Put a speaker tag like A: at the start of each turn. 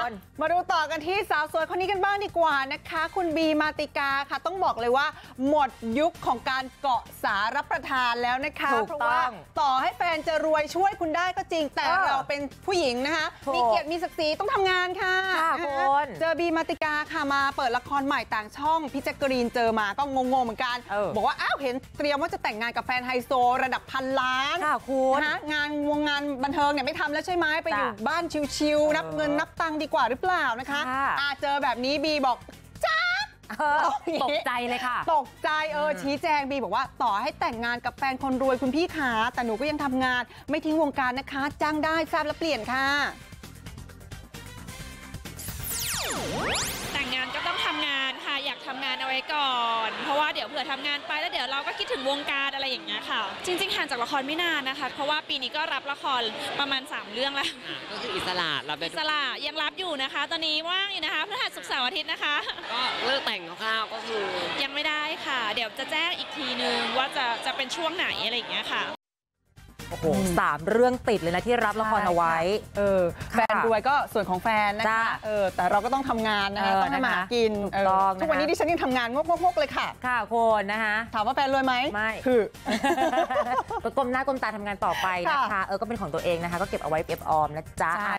A: มาดูต่อกันที่สาวสวยคนนี้กันบ้างดีกว่านะคะคุณบีมาติกาค่ะต้องบอกเลยว่าหมดยุคของการเกาะสารับประทานแล้วนะคะเพราะว่าต่อให้แฟนจะรวยช่วยคุณได้ก็จริงแต่เราเป็นผู้หญิงนะคะมีเกียรติมีศักดิ์ศรีต้องทำงานค่ะเจอบีมาติกาค่ะมาเปิดละครใหม่ต่างช่องพี่แจ๊กกะรีนเจอมาก็งงๆเหมือนกันบอกว่าอ้าวเห็นเตรียมว่าจะแต่งงานกับแฟนไฮโซระดับพันล้านนะงานบันเทิงเนี่ยไม่ทำแล้วใช่ไหมไปอยู่บ้านชิลๆนับเงินนับตังค์ดีกว่าหรือเปล่านะคะเจอแบบนี้บีบอกจ้า
B: ตกใจเลยค่ะ
A: ตกใจชี้แจงบีบอกว่าต่อให้แต่งงานกับแฟนคนรวยคุณพี่ขาแต่หนูก็ยังทำงานไม่ทิ้งวงการนะคะจ้างได้ทราบแล้วเปลี่ยนค่ะ
C: แต่งงานก็ต้องทำงานค่ะอยากทำงานเอาไว้ก่อนเพราะว่าเดี๋ยวเผื่อทำงานไปแล้วเดี๋ยวเราก็คิดถึงวงการอะไรอย่างเงี้ยค่ะจริงๆห่างจากละครไม่นานนะคะเพราะว่าปีนี้ก็รับละครประมาณ3เรื่องแล้ว
B: ก็คืออิสระเราเป็น
C: อิสระยังรับอยู่นะคะตอนนี้ว่างอยู่นะคะพฤหัสศุกร์เสาร์อาทิตย์นะคะ
B: ก็เลิกแต่งคร่าวๆก็คือ
C: ยังไม่ได้ค่ะเดี๋ยวจะแจ้งอีกทีนึงว่าจะเป็นช่วงไหนอะไรอย่างเงี้ยค่ะ
B: โอ้โห3 เรื่องติดเลยนะที่รับละครเอาไว้
A: แฟนรวยก็ส่วนของแฟนนะคะแต่เราก็ต้องทำงานนะคะต้องทำมาหากินทุกวันนี้ดิฉันยังทำงานงกๆเลยค่ะ
B: ค่ะคนนะคะ
A: ถามว่าแฟนรวยไหม
B: ไม่
A: คือ
B: ก็ก้มหน้าก้มตาทำงานต่อไปนะคะก็เป็นของตัวเองนะคะก็เก็บเอาไว้เก็บออมนะจ๊ะ